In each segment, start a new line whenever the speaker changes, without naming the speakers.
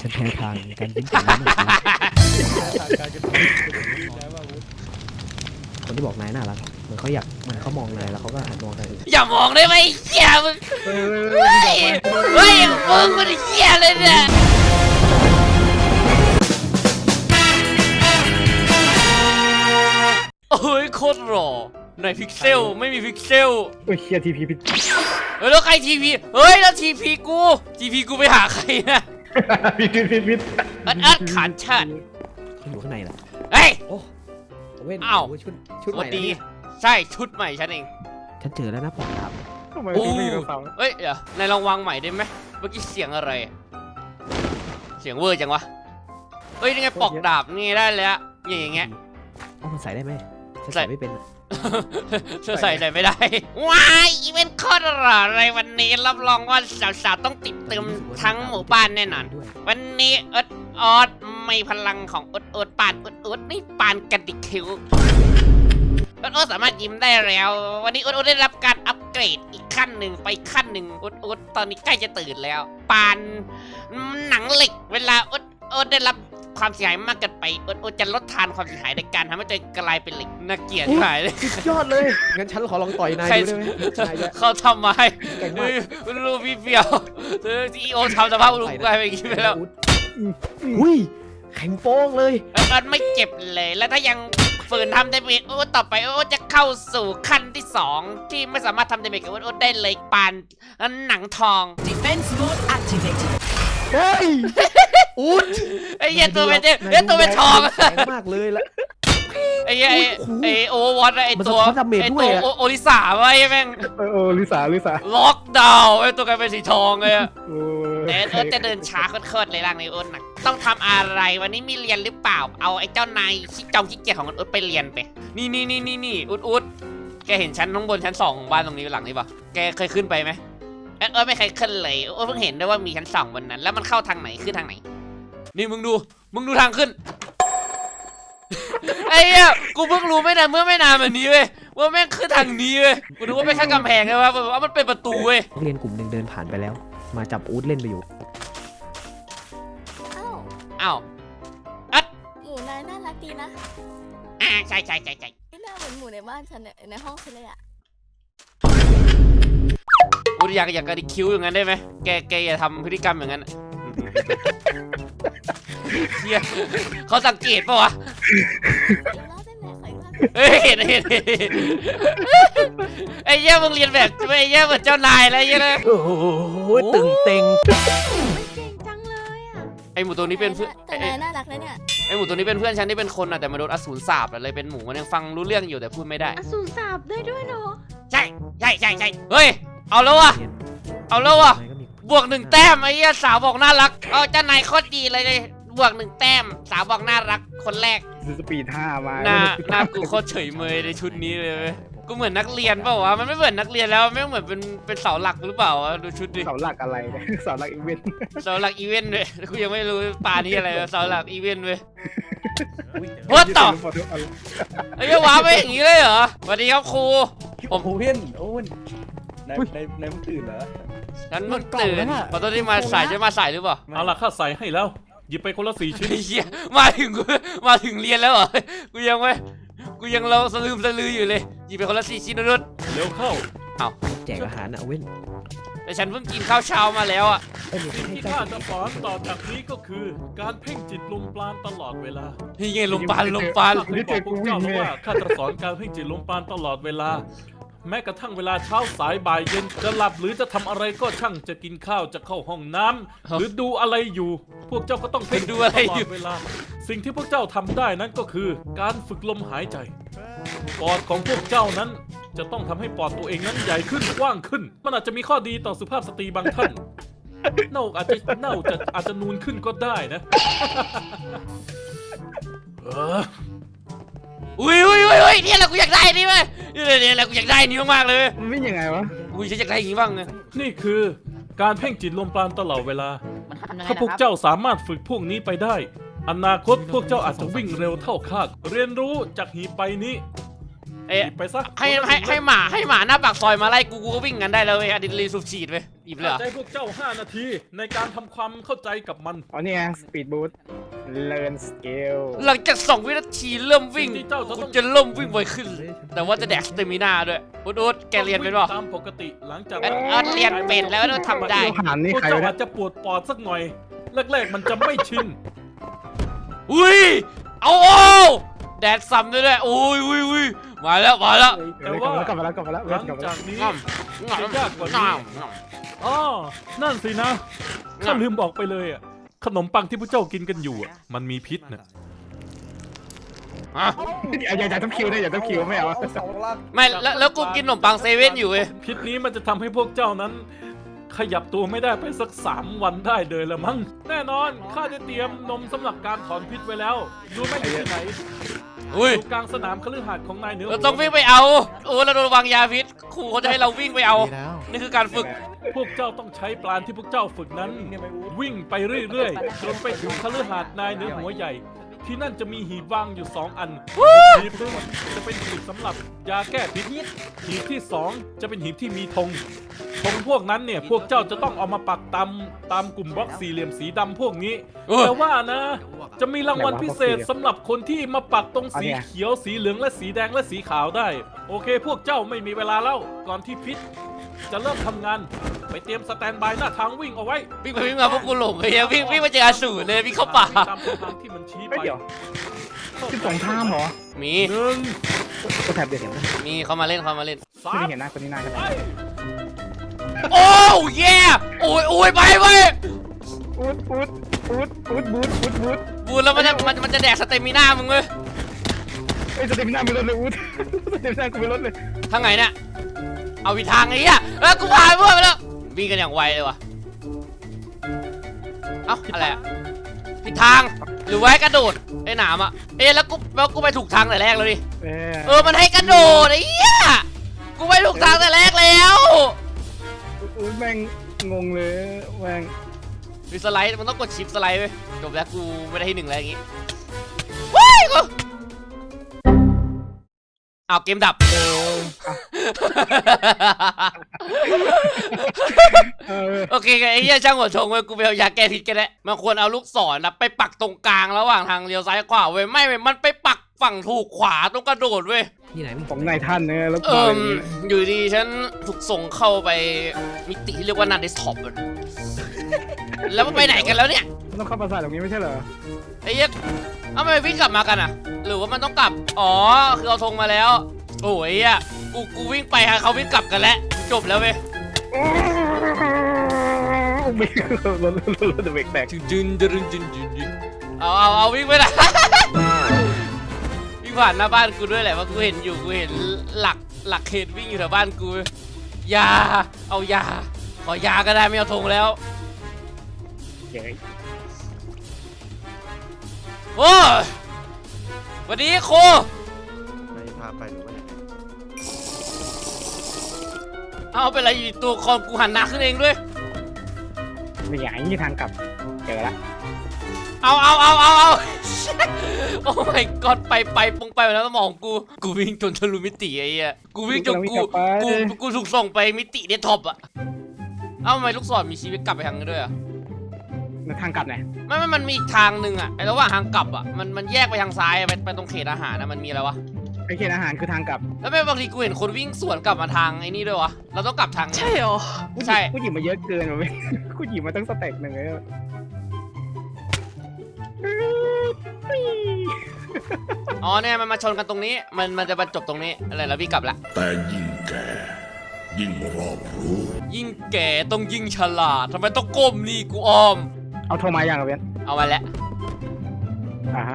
ฉันแพ้ทางการวิ่งของน้ำหนัก
ทางการกระตุ้นได้ว่าวุฒิ
คนที่บอกนายน่ารักเหมือนเขาอยากเหมือนเขามองนายแล้วเขาก็หันมองนายอื่น
อย่ามองได้ไหมเหี้ยมึงเฮ้ยมึงมันเหี้ยเลยเนี่ยโอ้ยโคตรหล่อในพิกเซลไม่มีพิกเซล
โอ้ยเชียทีพีพิษ
แล้วใครทีพีเฮ้ยแล้วทีพีกูไปหาใครนะ
พิษ
อัดขานชาติ
เขาอยู่ข้างในแหละ
เฮ้ย
โอ้เว้น
อ้าว
ชุดใหม่
ดี
นะเนี่ย
ใช่ชุดใหม่ฉันเอง
ฉันเจอแล้วนะปอกดาบ
ทำไม
โอ้
ถึงไม่มีกระเป๋า
เฮ้ยเดี๋ยวในลองวางใหม่ได้ไหมเมื่อกี้เสียงอะไร เสียงเวอร์จังวะเฮ้ยนี่ไงปอกดาบนี่ได้แล้วอย่างเงี้ย
เอามันใส่ได้ไหมฉัน
ใส่
ใส่ไม่เป็นอะ
ใส่ไม่ได้ว้ายอีเวนต์โคตรหล่อเลยวันนี้รับรองว่าสาวๆต้องติดเติมทั้งหมู่บ้านแน่นอน
ด้วย
วันนี้ออดไม่พลังของอดปานอดนี่ปานกระดิกคิ้วอดสามารถยิ้มได้แล้ว วันนี้อดได้รับการอัปเกรดอีกขั้นหนึ่งไปขั้นหนึ่งอดตอนนี้ใกล้จะตื่นแล้ว ปานหนังเหล็กเวลาอดได้รับความเสียหายมากเกินไปอดจะลดทานความเสียหายในการทำให้ตัวเองกลายเป็นเหล็กน่าเกลียดหายเลย
สุดยอดเลยงั้นฉันขอลองต่อยนาย
ใคร
ดูได้ไหมนายจะ
เขาทำไม
เก่งมาก
รู้พี่เปียวซีโอทำสภาพรู้กลายเป็นอย่างนี้ไปแล้ว
อุ้ยแข็งโป้งเลย
มันไม่เจ็บเลย แล้วถ้ายังฝืนทำได้เมจต่อไปจะเข้าสู่ขั้นที่ 2 ที่ไม่สามารถทำได้เมจกับได้เลยปานหนังทอง
Defense mode activated.
เฮ้ยอุ๊ด
ไอ้เหี้ยตัวเป็นตัวเป็นทอง
แข็งมากเลยละ
ไอ้เหี้ยไอ้โอเวอร์วอตไอ้ตัว
มันสะท้อนดาเมจ
ไอ้
ด้
ตัว
วยอะ
โอริสาไว้แม่ง
โอ้ลิสา
ล็อกดาวน์ไอ้ตัวกลายเป็นสีทองเลยอะ
โอ้
แต่จะเดินช้าโคตรเลยร่างในอ้นนะต้องทำอะไรวันนี้มีเรียนหรือเปล่าเอาไอ้เจ้านายขี้เกียจของอ้นไปเรียนไปนี่อุดแกเห็นชั้นข้างบนชั้น 2ของบ้านตรงนี้หลังนี้ปะแกเคยขึ้นไปไหมไม่เคยขึ้นเลยเพิ่งเห็นด้วยว่ามีชั้น 2บนนั้น แล้วมันเข้าทางไหนขึ้นทางไหนนี่มึงดูทางขึ้น ไอ้เหี้ยกูเพิ่งรู้ไม่นานเมื่อไม่นานแบบนี้เว้ยว่าแม่งขึ้นทางนี้เว้ยกูนึกว่าไม่ใช่กำแพงเลยว่ามันเป็นประตูเว้ย
นักเรียนกลุ่มหนึ่งเดินผ่านไปแล้ว มาจับอู๊ดเล่นไปอยู่
อ้าว
หมูนายน่ารักดีนะ
ใช่
ไม่น่าเหมือนหมูในบ้านฉันในห้องฉันเลยอะ
กูอยากกระดิกคิ้วอย่างนั้นได้ไหมแกอย่าทำพฤติกรรมอย่างนั้นเฮียเขาสังเกตปะวะ
อีกรอบได้ไหมขออีกรอบ
เฮ้ยเห็นไอ้เหี้ยมึงเรียนแบบไอ้เหี้ยเหมือนเจ้านายอะไรเงี้ยนะ
โอ้โหตึงเต็ง
ไม่เก่งจังเลยอะ
ไอ้หมูตัวนี้เป็นเพื่อน
แต่นายน่ารักนะเนี่ย
ไอ้หมูตัวนี้เป็นเพื่อนฉันที่เป็นคนอะแต่มาโดนอสูรสาปเลยเป็นหมูมันยังฟังรู้เรื่องอยู่แต่พูดไม่ได้
อสูรสาบได้ด้วยเหรอ
ใช่เฮ้ยเอาแล้ววะ
นายก็มี
บวก 1 แต้มไอ้เหี้ยสาวบอกน่ารักเอาเจ้านายโคตรดีเลยบวก 1 แต้มสาวบอกน่ารักคนแรก
สปีด5มา
หน้ากูโคตรเฉยเมยในชุดนี้เลยเว้ยกูเหมือนนักเรียนเปล่าวะมันไม่เหมือนนักเรียนแล้วไม่เหมือนเป็นเสาหลักหรือเปล่าวะดูชุดดิ
เสาหลักอะไรเนี่ยเสาหลักอีเวนต์
เสาหลักอีเวนต์เว้ยกูยังไม่รู้ปานี่อะไรวะเสาหลักอีเวนต์เว้ยว่าต่อไอ้ยว้าไปอย่างนี้เลยเหรอสวัสดีครับครู
โอ้โหเพื่อนโอ้ยในมึงตื่นเหรอ
ฉันเพิ่งตื่นขอโทษที่มาสายจะมาสายหรือเปล่า
เอาล่ะข้าใส่ให้แล้ว หยิบไปคนละ4 ชิ้น
ไอ้เหี้ยมาถึงเรียนแล้วเหรอกูยังเราสลืออยู่เลยหยิบไปคนละ4 ชิ้นนุด
เร็วเข้า
แจกอาหารนะเว้น
แต่ฉันเพิ่งกินข้าวเช้ามาแล้วอ่ะ
เอ้ยมี
สิ่ง
ให้
ที่
เจ้า
ข้าจะสอนต่อจากนี้ก็คือ การเพ่งจิตลมปราณตลอดเวลา
นี่ไงลมปาน
ข้าเคยบอกพวกเจ้าแล้วว่าข้าจะสอนการเพ่งจิตลมปราณตลอดเวลา แม้กระทั่งเวลาเช้าสายบ่ายเย็นจะหลับหรือจะทำอะไรก็ช่างจะกินข้าวจะเข้าห้องน้ำหรือดูอะไรอยู่ พวกเจ้าก็ต้องเพ่ง
ดูอะไร
ตลอ
อยู่
ดเวลา สิ่งที่พวกเจ้าทำได้นั้นก็คือ การฝึกลมหายใจ ปอดของพวกเจ้านั้น จะต้องทำให้ปอดตัวเองนั้นใหญ่ขึ้นกว้างขึ้น มันอาจจะมีข้อดีต่อสุภาพสตรีบางท่านเน่าอาจจะนูนขึ้นก็ได้นะ
อุ้ยเนี่ยแหละกูอยากได้นี่เว้ยเนี่ยแหละกูอยากได้นี่มากๆเลย
มันไม่ยังไงวะ
อุ้ยฉันอยากได้อย่างนี้บ้างไง
นี่คือการเพ่งจิตลมปราณตลอดเวลา ถ้าพวกเจ้าสามารถฝึกพวกนี้ไปได้ อนาคตพวกเจ้าอาจจะวิ่งเร็วเท่าข้าเรียนรู้จากหีบใบนี้
เอ๊ะ
หยิบไปซะ
ให้หมาหน้าปากซอยมาไล่กูก็วิ่งกันได้แล้วเว้ยอะดรีนาลีนสูบฉีดเว้ยหยิบเลยเหรอ
ให้พวกเจ้า 5 นาทีในการทำความเข้าใจกับมัน
อ๋อนี่ไงสปีดบูทเลิร์นสเกล
หลังจาก2 วินาทีเริ่มวิ่ง
สิ่งที่เจ้าจะต้อง
กูจะเริ่มวิ่งไวขึ้น แต่ว่าจะแดกสเตมินาด้วยอุดแกเรียนเป็นเปล่า
ตามปกติหลังจาก
เรียนเป็นแล้วต้องทำได้
หันนี่
พวก
ใคร
เจ้าว
ะ
อาจจะปวดปอดสักหน่อยแรกๆมันจะไม่ชิน
อุ้ยเอาแดดซ้ำด้วยอุ้ยมาแล้ว
แต่ว่า
กลับมาแล้ว
หลังจากนี้
ง่อม
จะยากกว่านี้ อ๋อนั่นสินะข้าลืมบอกไปเลยอ่ะขนมปังที่พวกเจ้ากินกันอยู่อ่ะมันมีพิษนะ
อย่าต้องคิวนะอย่าต้องคิวไม่เอา
ไม่แล้วกูกินขนมปังเซเว่นอยู่เว้ย
พิษนี้มันจะทำให้พวกเจ้านั้น ขยับตัวไม่ได้ไปสัก3 วันได้เลยละมั้งแน่นอนข้าได้เตรียมนมสำหรับการถอนพิษไว้แล้วดูไม่อยู่ที่ไหน
อุ้ย
อยู่กลางสนามคฤหาสน์ของนายเหนือ
เราต้องวิ่งไปเอาเราโดนวางยาพิษครูเขาจะให้เราวิ่งไปเอานี่คือการฝึก
พวกเจ้าต้องใช้ปราณที่พวกเจ้าฝึกนั้น วิ่งไปเรื่อยๆจนไปถึงคฤหาสน์นายเหนือหัวใหญ่ ที่นั่นจะมีหีบวางอยู่2 อันหีบหนึงจะเป็นหีบสำหรับยาแก้พิษหีบที่2จะเป็นหีบที่มีธงพวกนั้นเนี่ยพวกเจ้าจะต้องเอามาปักตามกลุ่มบล็อกสี่เหลี่ยมสีดำพวกนี้ แต่ว่านะ จะมีรางวัลพิเศษสำหรับคนที่มาปักตรงสีเขียวสีเหลืองและสีแดงและสีขาวได้ โอเค พวกเจ้าไม่มีเวลาแล้วก่อนที่พิษจะเริ่มทำงานไปเตรียมสแตนบายหน้าทางวิ่งเอาไว้
วิ่งไปวิ่งมาพวกกูหลงเลยอะวิ่งมาเจออสูรเลยวิ่งเข้าป่า
ตามเส้นทางที่มันชี้ไป
เดี๋ยวที่สงครามเหรอ
มี
1
ก็แถบเดียวเห็นไหม
มีเขามาเล่น
ไม่ได้
3
เห็นหน้าคนนี้หน้ากัน
ไป
โอ้เย่โอ้ยไปเว้ย
บูท
บูนแล้วมันจะแดกสเตมิน่ามึงเว้ย
ไอ้สเตมิน่าไม่ลดเลยบูทสเตมิน่ากูไม่ลดเลย
ทางไหนเนี่ยเอาวิทางไอ้เหี้ยแล้วกูผ่านพวกไปแล้ววิ่งกันอย่างไวเลยวะเอ้าอะไรอะผิดทางหรือว่าให้กระโดดไอ้หนามอะแล้วกูไปถูกทางแต่แรกแล้วดิมันให้กระโดดไอ้เหี้ยกูไปถูกทางแต่แรกแล้ว
แม่งงงเลยแม่ง
มีสไลด์มันต้องกดชิปสไลด์เว้ยจบแล้วกูไม่ได้ที่ 1แล้วอย่างงี้ว้ายกูเอาเกมดับโอเคไอ้เหี้ยช่างหัวชงเว้ยกูไปเอายาแก้พิษกันแล้วมันควรเอาลูกศรนะไปปักตรงกลางระหว่างทางเลี้ยวซ้ายขวาเว้ยไม่เว้ยมันไปปักฝั่งถูกขวาตรงกระโดดเว้ย
ที่ไหนมึง
ของนายท่านเนี่ยแล้ว
อยู่ดีฉันถูกส่งเข้าไปมิติที่เรียกว่านันเดสท็อปแล้วมันไปไหนกันแล้วเนี่ย
ต้องเข้าปราสาทตรงนี้ไม่ใช่เหรอ
ไอ้เหี้ยทำไมวิ่งกลับมากันอ่ะหรือว่ามันต้องกลับอ๋อคือเอาธงมาแล้วโอ้ยอ่ะกูวิ่งไปฮะเขาวิ่งกลับกันแล้วจบแล้วเว้ย
เบรกรถเบรกแตก
จึนเอาวิ่งไปนะวิ่งผ่านหน้าบ้านกูด้วยแหละว่ากูเห็นหลักเขตวิ่งอยู่แถวบ้านกูยาเอายาขอยาก็ได้ไม่เอาธงแล้วโอ้สวัสดีโค
ไม่พาไปหรือว่า
เอาเป็นไรอยู่ตัวคอมกูหันหน้าขึ้นเองด้วย
ไม่อยากให้ทางกลับเจอละ
เอา โอ้ my god ไปปงไปแล้วสมองกูวิ่งจนทะลุมิติไอ้เหี้ยกูวิ่งจนกูถูกส่งไปมิติเดสก์ท็อปอะเอ้าทำไมลูกศรมีชีวิตกลับไปทางนั้นด้วยอะ
ทางกลับไหน
ไม่มันมีอีกทางหนึ่งอะไอ้ระหว่างทางกลับอะมันแยกไปทางซ้ายไปตรงเขตอาหารนะมันมีอะไรวะ
ไอ้เขตอาหารคือทางกลับ
แล้วไม่บางทีกูเห็นคนวิ่งสวนกลับมาทางไอ้นี่ด้วยวะเราต้องกลับทางใช่หรอใช่
กูหยิบมาเยอะเกินว่ะเว้ยกูหยิบมาตั้งสเต็ปหนึ่งเลย
อ๋อเนี่ยมันมาชนกันตรงนี้มันจะบรรจบตรงนี้อะไรแล้ววิ่งกลับละ
แต่ยิ่งแก่ยิ่งรอบรู้
ยิ่งแก่ต้องยิ่งฉลาดทำไมต้องก้มนี่กูอ้อม
เอาโทรมาอย่างเว้น
เอามาแล้ว
ฮะ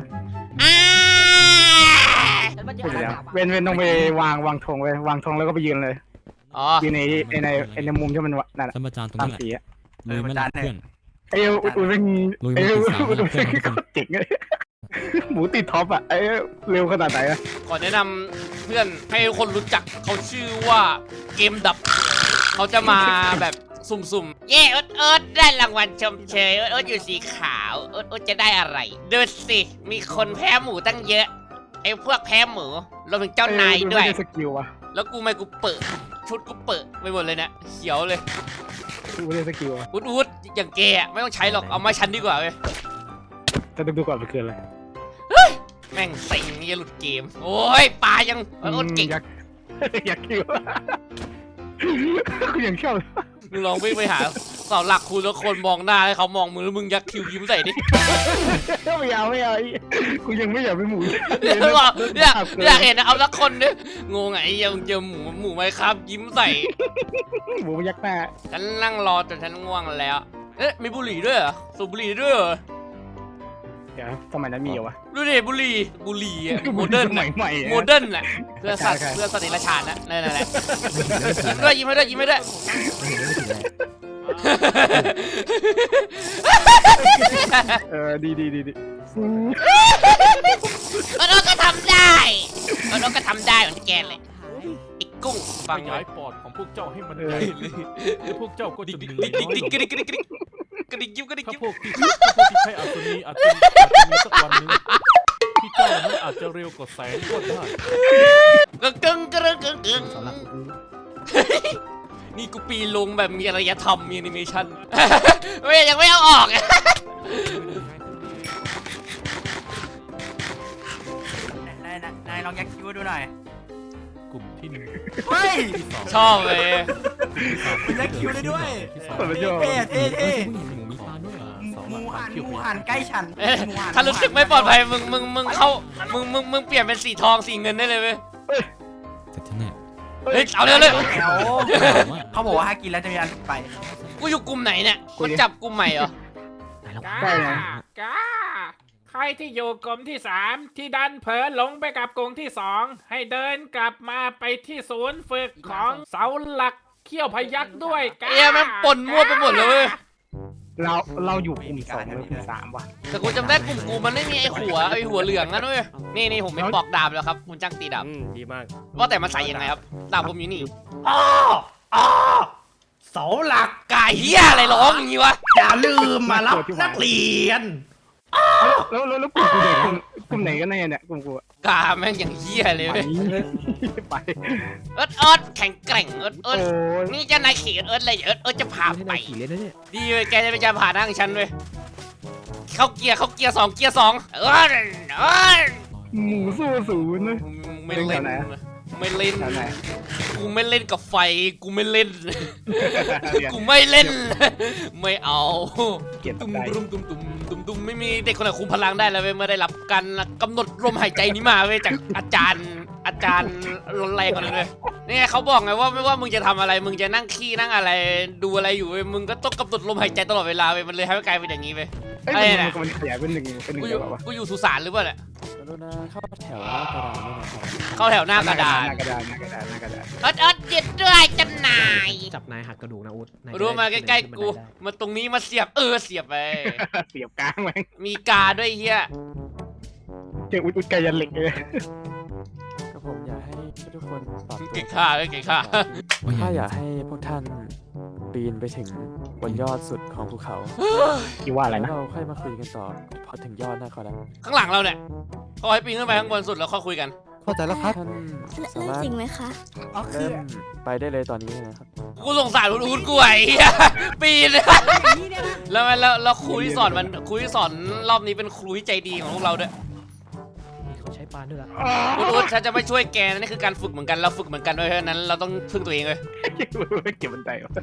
เว้นต้องไปวางธงไว้วางธงแล้วก็ไปยืนเลย
อ๋อ
ยืนในมุมที่มันนั่น
ท่านประจานตรง
ตาม
นี้แหละ
สีอะ
ลุยไม่หลับเพื่อน
ไอ้อุ่นเป็น
ลุย
ไอ้
ไม่ติดสาว
อุ่น
นะเพื่
เป็
อน นทุกคน
เจ๋งเลยหมูติดท็อปอ่ะไอ้เร็วขนาดไหนอะ
ขอแนะนำเพื่อนให้คนรู้จักเขาชื่อว่าเกมดับ เขาจะมาแบบสุ่มๆ เย้เอิร์ดได้รางวัลชมเชยเอิร์ดอยู่สีขาวเอิร์ดจะได้อะไรดูสิมีคนแพ้หมูตั้งเยอะอ้พวกแพ้หมูรวมถึงเจ้านายด้วย
ไม่ได้สกิลว่ะ
แล้วกูไม่กูเปิดชุดกูเปิดไปหมดเลยเนะเขียวเลย
กูไม่ได้สกิลว่ะ
อุดอย่างแกอะไม่ต้องใช้หรอกเอามาฉันดีกว่าเว้ย
จะดูก่อนไปเกินเลย
แม่งเซ็งนี่จะหลุดเกม โอ้ยปลายังอดเก่ง
อยาก อยากคิวกูยังชอบ
มึงลองวิ่งไปหาเสาหลักคุณแล้วคนมองหน้าให้เขามองมึงแล้วมึงยักคิ้วยิ้มใส่ดิ
ไม่เอากูยังไม่อยากเป็นหมู
อยากเห็นนะเอาสักคนดิงงไงยังเจอหมูไหมครับ ยิ้มใส่
หมูยักษ์หน้า
ฉันนั่งรอจนฉันง่วงแล้ว เอ๊ะมีบุหรี่ด้วยเหรอสูบบุหรี่ด้วยเหรอ
เดี๋ยวสมัยนั้นมีเหรอวะ
ดูดิบุหรี่อะโมเดิร์น
สมัยใหม่
โมเดิร์นอะเพื่อสัตว์
ใช่
เพื่อสติราชาญนะนั่นแหละยิ้มให้ด้วยยิ้มให้ด้วย
ไม่เห็นไม่ถึงเลย
ดี
โอ๊ตก็ทำได้โอ๊ตก็ทำได้เหมือนแกเลยไอ้กุ้ง
ข
ฟังไว้
ยายปอดของพวกเจ้าให้มันใหญ่เลยและพวกเจ้าก็จะเหนื่อยน้อยลง
กระดิกยิ้ม
ถ้าพวกที่ใช้อาสนีอาจจะมีสักวันหนึงที่เจ้านั้นอาจจะเร็วกว่าแสงก็ได้
กึ่ง
เสาหลักกู
นี่กูปีนลงแบบมีอารยธรรมมีแอนิเมชั่นยังไม่เอาออก
นายลองยักคิ้วดูหน่อย
กลุ่มที่หนึ่ง
เฮ้ย
ที่สอง
ชอบเลย
มันยักคิ้วได้ด้วย
ที่สาม
ๆชอบ
เท่เท่เท่
หมูมีปลาด้วย
หมูหันใกล้ฉัน
ถ้ารู้สึกไม่ปลอดภัยมึงเข้ามึงเปลี่ยนเป็นสีทองสีเงินได้เลยเว้ย
แต่ที่เนี่ย
เฮ้ยเอาเลย
เดี๋ยวเขาบอกว่าถ้ากินแล้วจะมีอันไป
กูอยู่กลุ่มไหนเนี่ยมันจับกลุ่มใหม่เหรอ
ไหนแล้ว
ใช่ไง
ใครที่อยู่กลุ่มที่3ที่ดันเผลอหลงไปกับกลุ่มที่2ให้เดินกลับมาไปที่ศูนย์ฝึกของเสาหลักเขี้ยวพยักด้วยกัน
แม่งปนมั่วไปหมดเลยเว้ย
เราอยู่กลุ่ม2หรือกลุ่ม3ว่ะ
แต่กูจำได้กลุ่มกูมันไม่มีไอ้หัวเหลืองนั่นเว้ยนี่ผมไม่ปอกดาบแล้วครับคุณจ้างตีดาบ
ดีมาก
ว่าแต่มันใส่ยังไงครับดาบผมอยู่นี่
เสาหลัก
กายเฮียอะไรร้องอย่างงี้วะ
อย่าลืมมารับนักเรียน
แล้วกลุ่มกูเนี่ยกลุ่มไหนกันแน่เนี่ยกลุ่มกู
กาแม่งอย่างเฮียเลยเว้ย
ไป
เอิร์ดแข็งแกร่งเอิ
โอ้
ร์ด
ย
นี่เจะนายขี่เอิร์ดเลยเอิร์ดจะพา
ให้
ไป
นายขี่เล่นนะเนี่ย
ดีเว้ยแกจะไปจะผ่านนั่งฉันเว้ยเข้าเกียร์2เกียร์2เอิร์ด
หมูสู้ศูนย์นะ
ไม่เล่น
แถวไหน
ไม่เล่น
แถวไหน
กูไม่เล่นกับไฟกูไม่เล่น กูไม่เล่น ไม่เอา
เกลียด
ตุ้ม
ใจ
ตุ้มไม่มีเด็กคนไหนคุมพลังได้แล้วเว้ยเมื่อได้รับการกำหนดลมหายใจนี้มาเว้ยจากอาจารย์รุนแรงกว่านั้นเลยนี่ไงเขาบอกไงว่าไม่ว่ามึงจะทำอะไรมึงจะนั่งขี้นั่งอะไรดูอะไรอยู่เว้ยมึงก็ต้องกำหนดลมหายใจตลอดเวลาเว้ยมันเลยให้กลายเป็นอย่างนี้เว้ย
เอ้ยมันขยายเป็นหนึ่ง
กูอ
เดี
ยู่
ยววะ
กูอยู่สุสานหรือเปล่าเนี่ย
เข้าแถวหน้ากระดานด้วยนะครับ
เข้าแถวหน้ากระดาน
หน้ากระดาน
เอิร์ดเย็ดด้วยจันนาย
จับนายหักกระดูกนะอุ๊ดนยจะ
รู้มาใก
ได้
ล้
ขึ้น
ๆกู
บันไดได้
มาตรงนี้มาเสียบเสียบไป
เสียบกลางแม่ง
มีกาด้วยเฮีย
เจออุดไกยันเหล็กเลย
ก็ผมอยากให้ทุกคนปรับตัว
เก่งข้าเก่งข้า
ถ้าอยากให้พวกท่านปีนไปถึงบนยอดสุดของภูเขา
คิดว่าอะไรนะ
เราค่อยมาคุยกันต่อพอถึงยอดนะขอรับ
ข้างหลังเราเนี่ยเขาให้ปีนขึ้นไปข้างบนสุดแล้วค่อยคุยกัน
เข้าใจแล้วครับท่านสา
เล่น
มารถ
จริงไหมคะ
เริ่มไปได้เลยตอนนี้นะครับ
กูสงสารอุดกูไอ้เหี้ยปีนแล้วครูที่สอนรอบนี้เป็นครูที่ใจดีของพวกเราด้วย
นี่เขาใช้ปานด้วยละ
อุดฉันจะไม่ช่วยแกนะนี่คือการฝึกเหมือนกันเราฝึกเหมือนกันด้วยเพราะฉะนั้นเราต้องพึ่งตัวเองเลย
เก็บบันไดวะ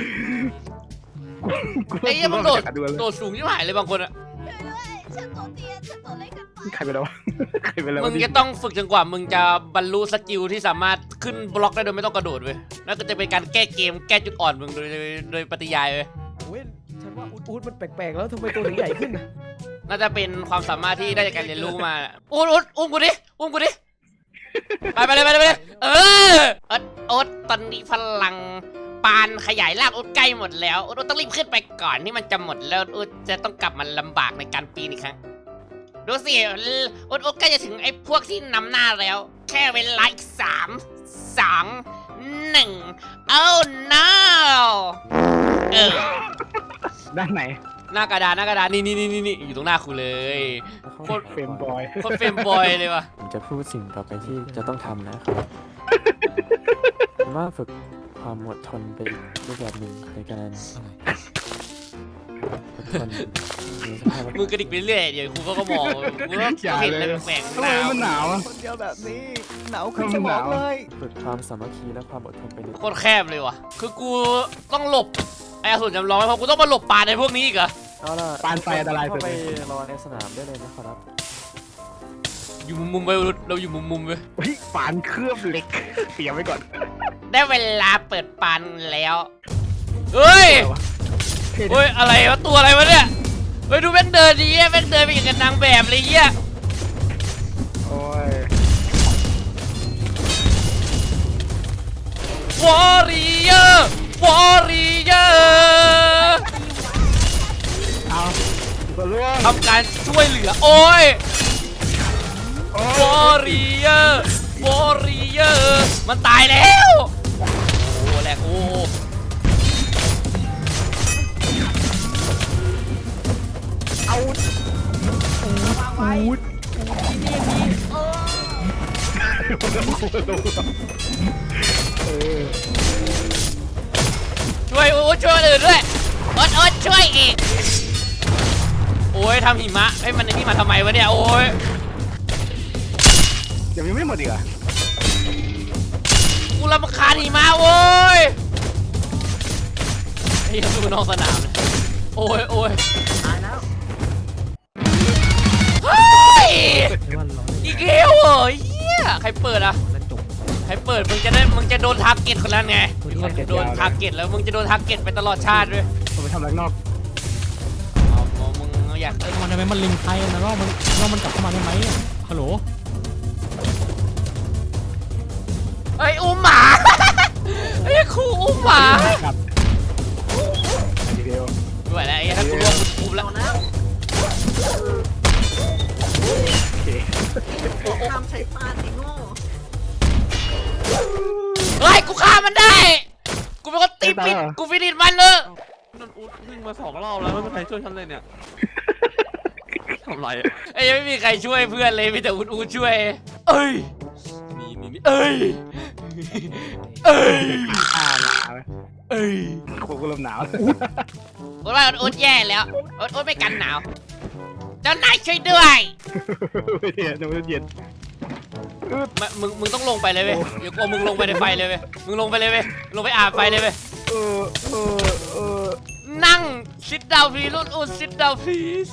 ไอ้เหี้ยมันโดดสูงยิ่งหายเลยบางคนอะ
ช่วยด้วยฉันตัวเตี้ยฉันตัวเล็กกันไป
ใครไปแล้วใครไปแล้ว
มึงจะต้องฝึกจนกว่ามึงจะบรรลุสกิลที่สามารถขึ้นบล็อกได้โดยไม่ต้องกระโดดเว้ยนั่นก็จะเป็นการแก้เกมแก้จุดอ่อนมึงโดยปฏิยายเว้ย
โอ้ยฉันว่าอุ๊ดมันแปลกๆแล้วทำไมตัวถึงใหญ่ขึ้นน่ะ
น่าจะเป็นความสามารถที่ได้จากการเรียนรู้มาอุ้มกูดิไปเลยเออโอ๊ตตอนนี้พลังปานขยายร่างโอ๊ตใกล้หมดแล้วโอ๊ตต้องรีบขึ้นไปก่อนที่มันจะหมดแล้วโอ๊ตจะต้องกลับมาลำบากในการปีนอีกครั้งดูสิโอ๊ตใกล้จะถึงไอ้พวกที่นำหน้าแล้ว แค่เวลาอีก3 2 1 oh no
ด้านไหน
หน้ากระดานนี่อยู่ตรงหน้ากูเลยโคตร
เฟรมบอย
โคตรเฟรมบอยเลยว่ะ
ผมจะพูดสิ่งต่อไปที่จะต้องทำนะครับผมว่าฝึกความอดทนไปอีกรูปแบบหนึ่งในการอดทนในสภาพ
มือกระดิกไปเรื่อยเดี๋ยวครูเขาก็มองกูก็เห็นอะไรแปลกๆ
ทำไมมันหนาวอะ
คนเดียวแบบนี้หนาว
ขึ้นสมองเลย
ฝึกความสามัคคีและความอดทนไปใน
โคตรแคบเลยว่ะคือกูต้องหลบไอ้อสูรจำลองไว้เพราะกูต้องมาหลบป่าในพวกนี้อีกเหรอ
เอาล่ะ
ปานไฟอันตรายสุ
เข้า
ด
ไป
เลย
รอในสนามได้เลยนะครับ
อยู่มุมๆไปเราอยู่มุมๆไป
เฮ้ยปานเคลือบเหล็กเตรียมไว้ก่อน
ได้เวลาเปิดปานแล้วเฮ้ย เฮ้ยอะไรวะตัวอะไรวะเนี่ยเฮ้ยดูแม่งเดินดีแม่งเดินไปอย่างกับนางแบบเลยเหี้ย
โอ้ยว
อริเออร์วอริเออร์
เอาตัวล่วง
ทำการช่วยเหลือโอ้ย
โอ้
วอริเออร์วอริเออร์มันตายแล้วโอ้แหลกโอ้
เอา
ช่วยโอ้ช่วยคนอื่นด้วยโอ๊ตช่วยอีกโอ้ยทำหิมะไอ้ยมันไอ้นี่มาทำไมวะเนี่ยโอ้ย
เดี๋ยวยังไม่หมดอีกเหรอ
กูรำคาญหิมะโว้ยไอ้ยังดูนอกสนามเลยโอ้ยตายแล้วเฮ้ย
ไม่ว่าร้อน
อีกแล้วเหรอเหี้ยใครเปิดอ่ะ
นั่นจบ
ใครเปิดมึงจะโดนทาร์เก็ตคนนั้นไงมึงจะโดนทาร์เก็ตแล้วมึงจะโดนทาร์เก็ตไปตลอดชาติด้วย
ผมไปทำอะไรข้างนอก
เอามึงอยาก
มันทำไมมันลิงไทยนะว่ามันกลับเข้ามาได้ไหมฮัลโหล
เฮ้ยอุ้มหมาไอ้ครูอุ้มหมา
ครับดีเดียว
ไม่ไหวแล้วไอ้ถ้ากูรวมกูแล้ว
โอเค
ทำใช้ปานไอ้โง่
เฮ้ยกูฆ่ามันได้ กูเป็นคนตีปิดกูฟินิชมันเลย
นนอูดวิ่งมา2 รอบแล้วไม่มีใครช่วยฉันเลยเนี่ยทำไร
ไอ้ยังไม่มีใครช่วยเพื่อนเลยมีแต่อูดช่วยเอ้ยนี่เอ้ยเอ้ย
ข้าหนาว
เอ้ย
กูก็เริ่มหนาว
อูดว่าอูดแย่แล้วอูดไม่กันหนาวเจ้านายช่วยด้วย
ไม่เย็นไม่เย็น
มึงต้องลงไปเลยเว้ยเดี๋ยวกูเอามึงลงไปในไฟเลยเว้ยมึงลงไปเลยเว้ยลงไปอาบไฟเลยเว้ย
เออ
นั่ง sit down please อูด sit down please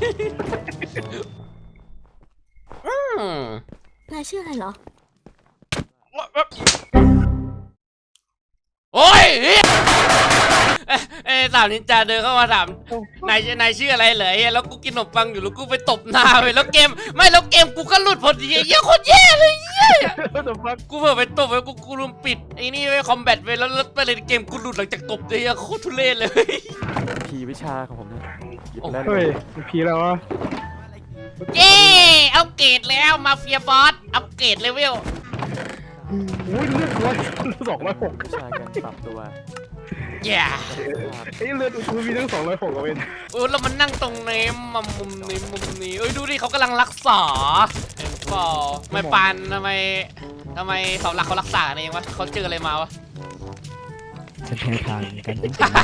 นายชื่ออะไรเหรอ
โอ้ยเหี้ยเอ้สาวนินจาเดินเข้ามาถามนายชื่ออะไรเหรอเหี้ยแล้วกูกินขนมปังอยู่แล้วกูไปตบหน้าไปแล้วเกมกูก็หลุดพอดีเหี้ยโคตรแย่เลยเหี้ย กูเผื่อไปตบไปกูลืมปิดไอ้นี่ไว้คอมแบทไปแล้วไปเลยเกมกูหลุดหลังจากตบเลยอะโคตรทุเรศเลย
พีวิชาของผมเนี่ยหยิบไปแล้ว
เฮ้ยพีแล้ววะ
เย้อัปเกรดแล้วมาเฟียบอสอัปเกรดเลเวล
อุ้ยเลือด206
วิชาการปรับตัว
แย่
ไอ้เลือดอุ้ยมีทั้ง206กับเวน
โอ้แล้วมันนั่งตรงนี้มามุมนี้เอ้ยดูดิเขากำลังรักษาเห็นเปล่าไม่ปานทำไมเสาหลักเขารักษาเองวะเขาเจออะไรมาวะ
ฉันแพ้ทางการเป็นคน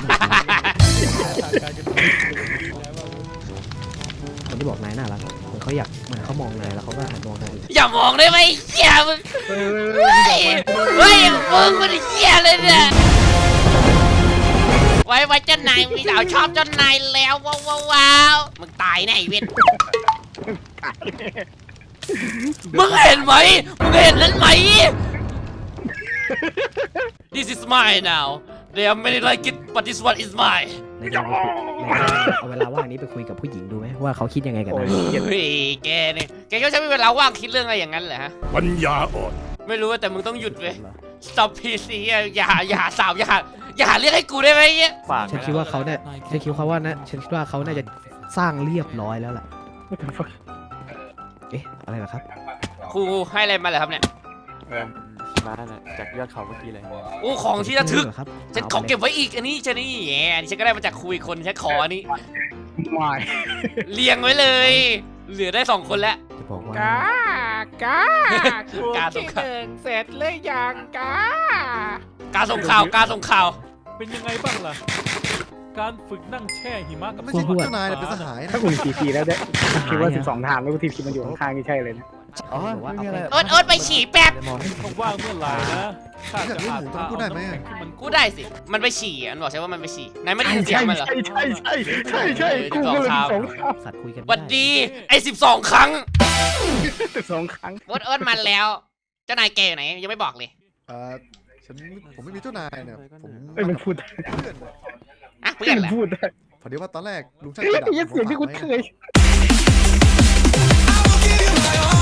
คนที่บอกนายน่ารักเหมือนเขาอยากเหมือนเขามองนายแล้วเขาก็หันมองนาย
อย่ามองได้ไหมเหี้ยมึง
เฮ้ย
เฮ้ยมึงมันเหี้ยเลยเนี่ยไว้เจ้านายมีสาวชอบเจ้านายแล้วว้าวมึงตายแน่ไอ้เวทมึงเห็นไหมมึงเห็นนั้นไหม This is mine now There are many like it but this one is mine
นายจะเอาเวลาว่างนี้ไปคุยกับผู้หญิงดูไหมว่าเขาคิดยังไงกับนาย
เฮ้ยแกเนี่ยแกก็ใช้เวลาว่างคิดเรื่องอะไรอย่างนั้นเหรอฮะ
ปัญญาอ่อน
ไม่รู้แต่มึงต้องหยุดเว้ย Stop PC อย่าสาวอย่าเรียกให้กูได้ไหมเงี้ย
ฝาก
ฉันคิดว่าเขาเนี่ยฉันคิดว่าเขาน่าจะสร้างเรียบร้อยแล้วล่ะเอ๊ะอะไรเหรอครับ
ครูให้อะไรมาเหรอครับเนี่ย
มาน่ะจากยอดเขาเมื่อกี้เลย
โอ้ของที่ระทึก
เหรอครับ
ฉันขอเก็บไว้อีกอันนี้ฉันนี่แหมอันนี้ฉันก็ได้มาจากครูอีกคนฉันขออันนี้
ไม่
เรียงไว้เลย เหลือได้2 คนแล้ว
จะบอกว่า
กา
ส่งข่าว
เสร็จเลยยังกา
กาส่งข่าวกาส่งข่าว
เป็นยังไงบ้างล่ะ การฝึกนั่งแช่หิมะกับ
ไม่ใช่เจ้านาย
เป็นสหาย
ถ้าคุณทีแล้วได้คิดว่า12 ทางแล้วทีมันอยู่ข้างๆนี่ใช่เลยนะ
อ๋อไม่มีอะไร
โอ๊ตไปฉี่แป๊บ
เขาว่างเมื่อไหร่นะข้าจะหาทาง
พูดได้ไหม
กูได้สิ มันไปฉี่อ่ะมันบอกใช่ว่ามันไปฉี่นายไม่ได้ยินเสียงมันเหรอ
ใช่กูก็เลย12 ทาง
สัตว์คุยกันไม่
หวัด
ได้
ดีไอ้12 ครั้ง
12 ครั้ง
โอ๊ตมาแล้ว เจ้านายแกอยู่ไหนยังไม่บอกเลย
ผมไม่มีเจ้านายเนี่ยผม
มันพูดได้
เพื่อน
อ่ะเพื่อนแหละ
พูดได้
พอดีว่าตอนแรกลุงช่าง
ไอ้
กระดาษ
เสียงที่คุณเคย
ผมฝากไว้